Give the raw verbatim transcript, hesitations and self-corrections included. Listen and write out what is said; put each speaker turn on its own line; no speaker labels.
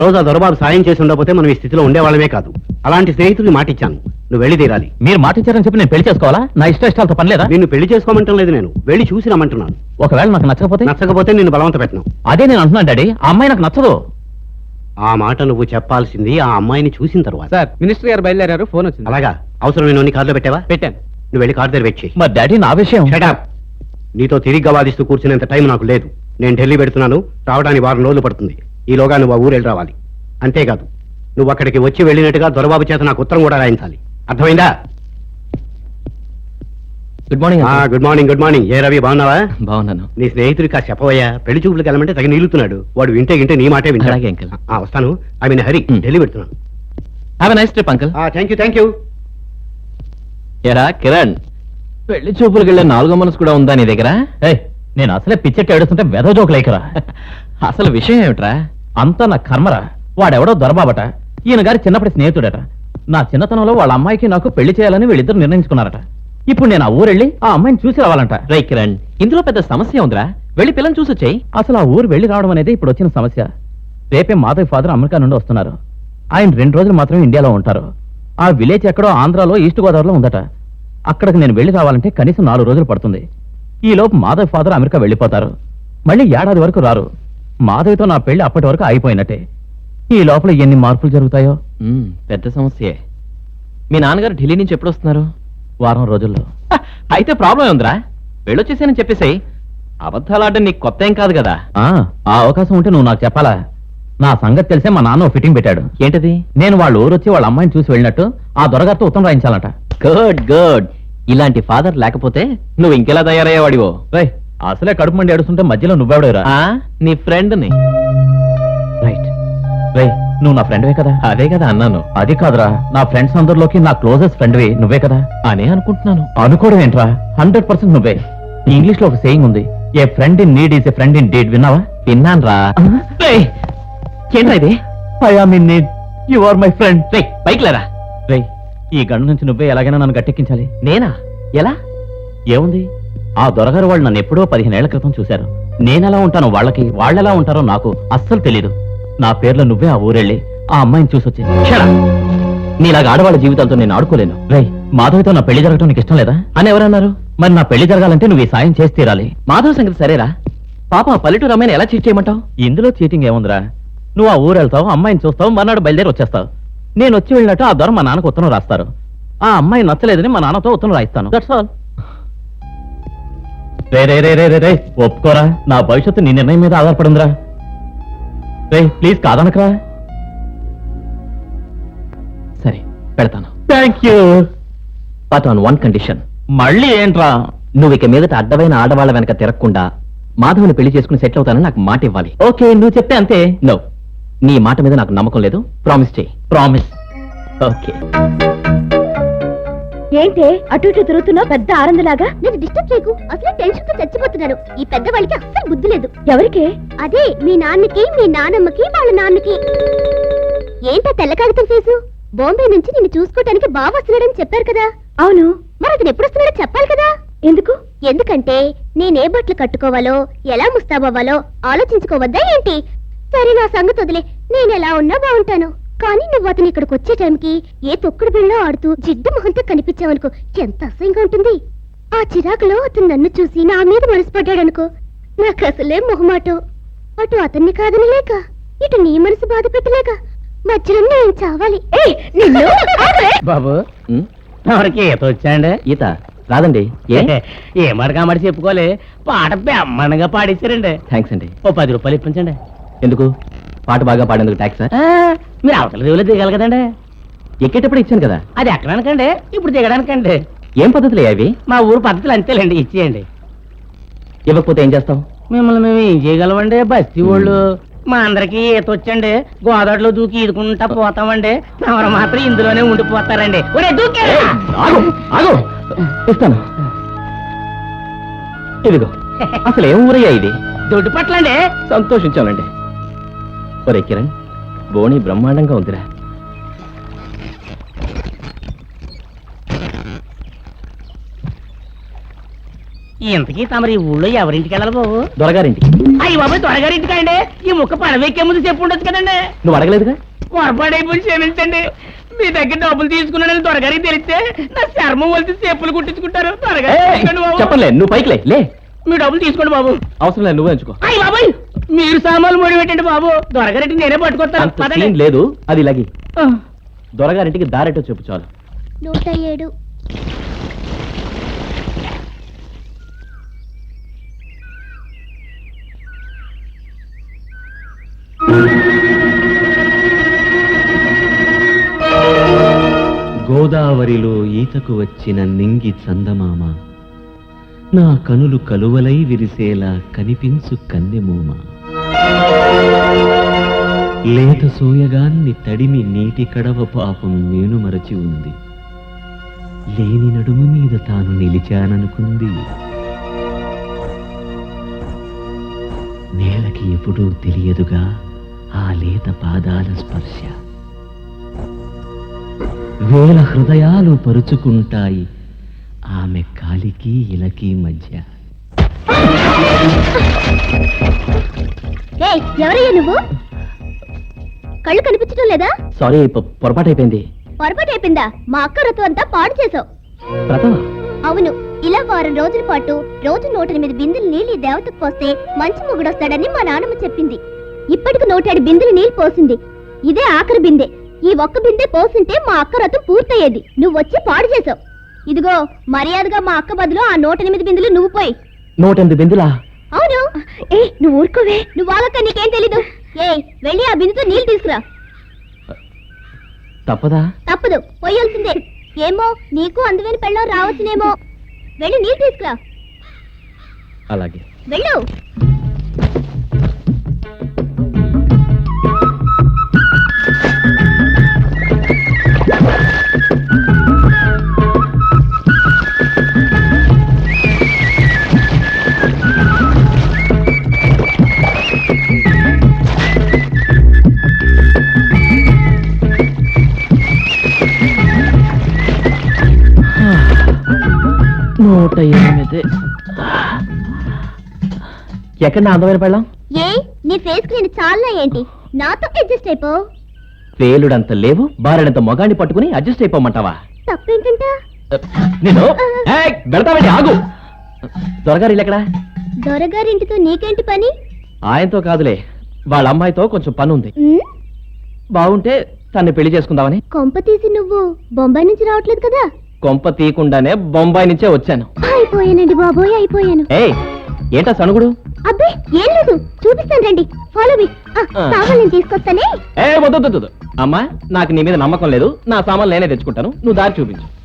రోజు ఆ దొరబాబు సాయం చేసి ఉండకపోతే మనం ఈ స్థితిలో ఉండేవాళ్ళమే కాదు. అలాంటి స్నేహితుడికి మాట ఇచ్చాను, నువ్వు వెళ్ళి తీరాలి.
మీరు మాట ఇచ్చారని చెప్పి నేను పెళ్లి చేసుకోవాలా? నా ఇష్ట ఇష్టాలతో పని లేదా?
నిన్ను పెళ్లి చేసుకోమంటం లేదు, నేను వెళ్ళి చూసి రమ్మంటున్నాను.
ఒకవేళ నాకు నచ్చకపోతే?
నచ్చకపోతే నిన్ను బలవంత పెట్టను.
అదే నేను అంటున్నాను డాడీ, ఆ అమ్మాయి నాకు నచ్చదు.
ఆ మాట నువ్వు చెప్పాల్సింది ఆ అమ్మాయిని చూసిన తర్వాత.
సార్ మినిస్టర్ గారు బయలుదేరారు, ఫోన్ వచ్చింది.
అలాగా? అవసరం నేను కార్లో పెట్టావా?
పెట్టాను.
నువ్వు వెళ్ళి కార్ దగ్గర వెయిట్ చేయి.
మరి డాడీ నా విషయం?
Shut up. నీతో తిరిగ్గా వాదిస్తూ కూర్చునేంత టైం నాకు లేదు. నేను ఢిల్లీ పెడుతున్నాను, రావడానికి వారం రోజులు పడుతుంది. ఈలోగా నువ్వు ఆ ఊరు వెళ్ళి రావాలి. అంతేకాదు, నువ్వు అక్కడికి వచ్చి వెళ్ళినట్టుగా దొరబాబు చేత నాకు ఉత్తరం కూడా రాయించాలి. అర్థమైందా?
Good morning.
Good morning. Good morning. ఏ రవి, బాగున్నావా?
బాగున్నాను.
నీ స్నేహితుడికి ఆ చెప్పవయ్యా, పెళ్లి చూపులకు వెళ్ళమంటే తగ్గ నిలుతున్నాడు. వాడు వింటే వింటే నీ మాటే వింటాడు.
అలాగే అంకుల్.
ఆ, వస్తాను. I mean Hari,
Hmm.
Delhi పెడుతున్నాను.
Have a nice trip uncle.
Thank you thank you.
ఎరా కిరణ్, పెళ్లి చూపులకు వెళ్ళే నాలుగో మనసు కూడా ఉందా నీ దగ్గర? నేను అసలే పిచ్చెట్టి ఏడుస్తుంటే వెధ జోకు లేకరా. అసలు విషయం ఏమిట్రా? అంతా నా కర్మరా. వాడెవడో దొరబాబట, ఈయన గారి చిన్నప్పటి స్నేహితుడట. నా చిన్నతనంలో వాళ్ళ అమ్మాయికి నాకు పెళ్లి చేయాలని వీళ్ళిద్దరు నిర్ణయించుకున్నారట. ఇప్పుడు నేను ఆ ఊరెళ్ళి ఆ అమ్మాయిని చూసి రావాలంట. రై కిరణ్, ఇందులో పెద్ద సమస్య ఉందిరా, వెళ్ళి పిల్లని చూసి వచ్చాయి. అసలు ఆ ఊరు వెళ్ళి రావడం అనేది ఇప్పుడు వచ్చిన సమస్య. రేపే మాధవ్ ఫాదర్ అమెరికా నుండి వస్తున్నారు. ఆయన రెండు రోజులు మాత్రమే ఇండియాలో ఉంటారు. ఆ విలేజ్ ఎక్కడో ఆంధ్రాలో ఈస్ట్ గోదావరిలో ఉందట. అక్కడికి నేను వెళ్ళి రావాలంటే కనీసం నాలుగు రోజులు పడుతుంది. ఈ లోపు మాధవ్ ఫాదర్ అమెరికా వెళ్ళిపోతారు. మళ్ళీ ఏడాది వరకు రారు. మాధవ్తో నా పెళ్లి అప్పటి వరకు అయిపోయినట్టే. ఈ లోపల ఎన్ని మార్పులు జరుగుతాయో. పెద్ద సమస్యే. మీ నాన్నగారు ఢిల్లీ నుంచి ఎప్పుడు వస్తున్నారు? వారం రోజుల్లో. అయితే ప్రాబ్లం ఉందిరా, వెళ్ళొచ్చేసానని చెప్పేసాయి. అబద్ధాలు ఆడడం నీకు కొత్త ఏం కాదు కదా. ఆ అవకాశం ఉంటే నువ్వు నాకు చెప్పాలా? నా సంగతి తెలిసే మా నాన్న ఫిట్టింగ్ పెట్టాడు. ఏంటది? నేను వాళ్ళ ఊరు వచ్చి వాళ్ళ అమ్మాయిని చూసి వెళ్ళినట్టు ఆ దొరగారితో ఉత్తరం రాయించాలట. Good good. ఇలాంటి ఫాదర్ లేకపోతే నువ్వు ఇంకెలా తయారయ్యేవాడివో. రై, అసలే కడుపు మండి ఏడుస్తుంటే మధ్యలో నువ్వెవడేరా? నీ ఫ్రెండ్ ని. రైట్. రై, నువ్వు నా ఫ్రెండ్వే కదా? అదే కదా అన్నాను. అది కాదురా, నా ఫ్రెండ్స్ అందరిలోకి నా క్లోజెస్ట్ ఫ్రెండ్వి నువ్వే కదా అనే అనుకుంటున్నాను. అనుకోవడం ఏంట్రా, హండ్రెడ్ పర్సెంట్ నువ్వే. ఇంగ్లీష్ లో ఒక సేయింగ్ ఉంది, a friend in need is a friend in deed. విన్నావా? విన్నాను రా. ఏంట్రా ఇది? I am in need, you are my friend. రే, పైకి లేరా. రే, ఈ గండు నుంచి నువ్వే ఎలాగైనా నన్ను గట్టెక్కించాలి. నేనా? ఎలా? ఏముంది, ఆ దొరగారు వాళ్ళు నన్ను ఎప్పుడో పదిహేనేళ్ల క్రితం చూశారు. నేనెలా ఉంటానో వాళ్ళకి, వాళ్ళెలా ఉంటారో నాకు అస్సలు తెలీదు. నా పేర్లో నువ్వే ఆ ఊరెళ్ళి ఆ అమ్మాయిని చూసొచ్చి. నీలాగా ఆడవాళ్ళ జీవితాలతో నేను ఆడుకోలేను. రై, మాధవ్తో నా పెళ్లి జరగటం నీకు ఇష్టం లేదా అని ఎవరన్నారు? మరి నా పెళ్లి జరగాలంటే నువ్వు ఈ సాయం చేసి తీరాలి. మాధవ్ సంగతి సరేరా, పాప ఆ పల్లెటూరు అమ్మాయిని ఎలా చీట్ చేయమంటావు? ఇందులో చీటింగ్ ఏముందిరా, నువ్వు ఆ ఊరు వెళ్తావు, అమ్మాయిని చూస్తావు, మర్నాడు బయలుదేరి వచ్చేస్తావు. నేను వచ్చి వెళ్ళినట్టు ఆ దొర మా నాన్నకు ఉత్తరం రాస్తారు. ఆ అమ్మాయి నచ్చలేదని మా నాన్నతో ఉత్తరం రాయిస్తాను. That's all. రే రే రే రే రే రే ఒప్పుకోరా, నా భవిష్యత్తు నీ నిర్ణయం మీద ఆధారపడిందిరా. రే ప్లీజ్ కాదనకరా. సరే పెడతాను. Thank you. But on one condition. మళ్ళీ ఏంట్రా? నువ్వు ఇక మీదట అడ్డమైన ఆడవాళ్ళ వెనక తిరగకుండా మాధవ్ని పెళ్లి చేసుకుని సెటిల్ అవుతానని నాకు మాట ఇవ్వాలి. ఓకే, నువ్వు చెప్తే అంతే. నో, నీ మాట మీద నాకు నమ్మకం లేదు. ప్రామిస్ చేయి. ప్రామిస్. ఓకే.
ఏంటే అటు ఇటు తిరుగుతున్నావు పెద్ద ఆనందలాగా? నేను డిస్టర్బ్ చేయకు, అసలు టెన్షన్ తో చచ్చిపోతున్నాను. ఈ పెద్దవాళ్ళకి అస్సలు బుద్ధి లేదు. ఎవరికి? అదే మీ నాన్నకి, మీ నానమ్మకి, వాళ్ళ నాన్నకి. ఏంటా తెల్ల కాగితం ఫేసు? బాంబే నుంచి నిన్ను చూసుకోవటానికి బాగా వస్తున్నాడని చెప్పారు కదా? అవును. మరి అతను ఎప్పుడు వస్తున్నాడో చెప్పాలి కదా? ఎందుకు? ఎందుకంటే నేనే బట్టలు కట్టుకోవాలో, ఎలా ముస్తాబవ్వాలో ఆలోచించుకోవద్దా ఏంటి? సరే, నా సంగతి వదిలే, నేను ఎలా ఉన్నా బాగుంటాను. కానీ నువ్వు అతను ఇక్కడికి వచ్చే టైంకి ఏ తొక్కుడు బిళ్ళో ఆడుతూ జిడ్డు మొహంతో కనిపించావనుకో, ఎంత అసహ్యంగా ఉంటుంది. ఆ చిరాకులో అతను నన్ను చూసి నా మీద మనసు పడ్డాడనుకో, నాకు అసలే మొహమాటం. అటు అతన్ని కాదని లేక, ఇటు నీ మనసు బాధ పెట్టలేక మధ్యలో నేను చావాలి.
బాబు, ఎవరికి ఈత వచ్చాండి?
ఈత రాదండి.
ఏ మడగా మడి చెప్పుకోలే, పాట బెమ్మనగా పాడించారండి.
థ్యాంక్స్ అండి.
ఓ పది రూపాయలు ఇప్పించండి.
ఎందుకు? పాట బాగా పాడేందుకు ట్యాక్స్?
మీరు అవతల దేవులే దిగాలి కదండి.
ఎక్కేటప్పుడు ఇచ్చాను కదా.
అది ఎక్కడానికండి, ఇప్పుడు దిగడానికండి.
ఏం పద్ధతులే అవి?
మా ఊరు పద్ధతులు అంతేలేండి, ఇచ్చేయండి.
ఇవ్వకపోతే ఏం చేస్తావు?
మిమ్మల్ని మేము ఏం చేయగలమండి, బస్తీ వాళ్ళు. మా అందరికి ఈత వచ్చండి, గోదావరిలో దూకి ఈదుకుంటా పోతామండి. ఎవరు మాత్రం ఇందులోనే ఉండిపోతారండి. ఒరే దూకే!
ఆగు, ఆగు. ఇస్తాను. ఇదిగో. అసలు ఏం ఊరయ్యా ఇది?
దొడ్డు పట్లండి.
సంతోషించాలండి. ఒరే కిరణ్, బోణి బ్రహ్మాండంగా ఉందిరా.
ఇంతకీ తమరి ఊళ్ళో ఎవరింటికి వెళ్ళాలి బాబు?
దొరగారింటికి.
అయ్యి బాబు త్వరగారింటికి అండి. ఈ ముక్క పడవెక్కే ముందు చెప్పు ఉండొచ్చు కదండి.
నువ్వు అడగలేదుగా.
పొరపాడైపోయి క్షమించండి. మీ దగ్గర డబ్బులు తీసుకున్నానని త్వరగారికి తెలిస్తే నా చర్మం వలిసి చెప్పులు కుట్టించుకుంటారు. త్వరగా తీసుకోండి బాబు.
చెప్పలే, నువ్వు పైకి లే. లే,
మీ డబ్బులు తీసుకోండి బాబు.
అవసరం లేదు, నువ్వే ఎంచుకో.
అయ్యి బాబాయ్ మీరు సామాన్లు ముడి పెట్టండి బాబు. దొరగారింటికి నేనే పట్టుకొస్తాను.
అంత
పదండి.
సీన్ లేదు, అది లగి. దొరగారింటికి దారెటో చెప్పు చాలు.
నూట ఏడు.
గోదావరిలో ఈతకు వచ్చిన నింగి చందమామ, నా కనులు కలువలై విరిసేలా కనిపించు కన్నెమూమ. లేత సోయగాన్ని తడిమి నీటి కడవ పాపం నేను మరచి ఉంది. లేని నడుము మీద తాను నిలిచాననుకుంది. నేలకి ఎప్పుడూ తెలియదుగా ఆ లేత పాదాల స్పర్శ. వేల హృదయాలు పరుచుకుంటాయి ఆమె కాలికి ఇలకి మధ్య.
ఏయ్, ఎవరయ్యా నువ్వు? కళ్ళు కనిపించడం లేదా?
సారీ, పొరపాటు అయిపోయింది.
పొరపాటు అయిపోయిందా? మా అక్క రథం అంతా పాడు చేసావు.
ప్రథమ
అవును, ఇలా వారం రోజుల పాటు రోజు నూట ఎనిమిది బిందెలు నీళ్ళు ఈ దేవతకు పోస్తే మంచి మొగుడొస్తాడని మా నాన్నమ్మ చెప్పింది. ఇప్పటికి నూటేడు బిందెలు నీళ్ళు పోసింది. ఇదే ఆఖరి బిందె. ఈ ఒక్క బిందె పోసింటే మా అక్క రథం పూర్తయ్యేది. నువ్వు వచ్చి పాడు చేసావు. ఇదిగో మర్యాదగా మా అక్క బదులు ఆ నూట ఎనిమిది బిందెలు నువ్వు పోయి.
నూట ఎనిమిది బిందులా?
అవును. ఏ నువ్వు ఊరుకోవే. నువ్వు ఆగక్క, నీకేం తెలీదు. ఏ వెళ్ళి ఆ బిందుతో నీళ్ళు తీసుకురా.
తప్పదా?
తప్పదు, పోయాల్సిందే. ఏమో నీకు అందువని పెళ్ళం రావచ్చునేమో. వెళ్ళి నీళ్ళు తీసుకురా.
అలాగే.
వెళ్ళు.
నూట ఎనిమిది. ఎక్కడ నా అందమైన పెళ్ళం?
ఏ నీ ఫేస్ కి నేను చాలా ఏంటి? నాతో అడ్జస్ట్ అయిపో.
పేలుడంత లేవు, బారెడంత మొగాన్ని పట్టుకుని అడ్జస్ట్ అయిపోమంటావా?
తప్పేంటంట?
నేను వెళ్తామండి, ఆగు. దొరగారు ఇల్లు ఎక్కడా?
దొరగారింటితో నీకేంటి పని?
ఆయనతో కాదులే, వాళ్ళ అమ్మాయితో కొంచెం పని ఉంది.
ఉమ్,
బాగుంటే తన్ని పెళ్లి చేసుకుందామని.
కొంప తీసి నువ్వు బొంబాయి నుంచి రావట్లేదు కదా?
కొంప తీయకుండానే బొంబాయి నుంచే వచ్చాను.
అయిపోయానండి బాబోయ్, అయిపోయాను.
ఏయ్, ఏంటా సణుగుడు?
అబ్బే ఏం లేదు, చూపిస్తాను రండి. Follow me. సామాన్ నేను తీసుకొస్తానే.
ఏ వద్దు వద్దు వద్దు. అమ్మా, నాకు నీ మీద నమ్మకం లేదు. నా సామాన్లు నేనే తెచ్చుకుంటాను, నువ్వు దారి చూపించు.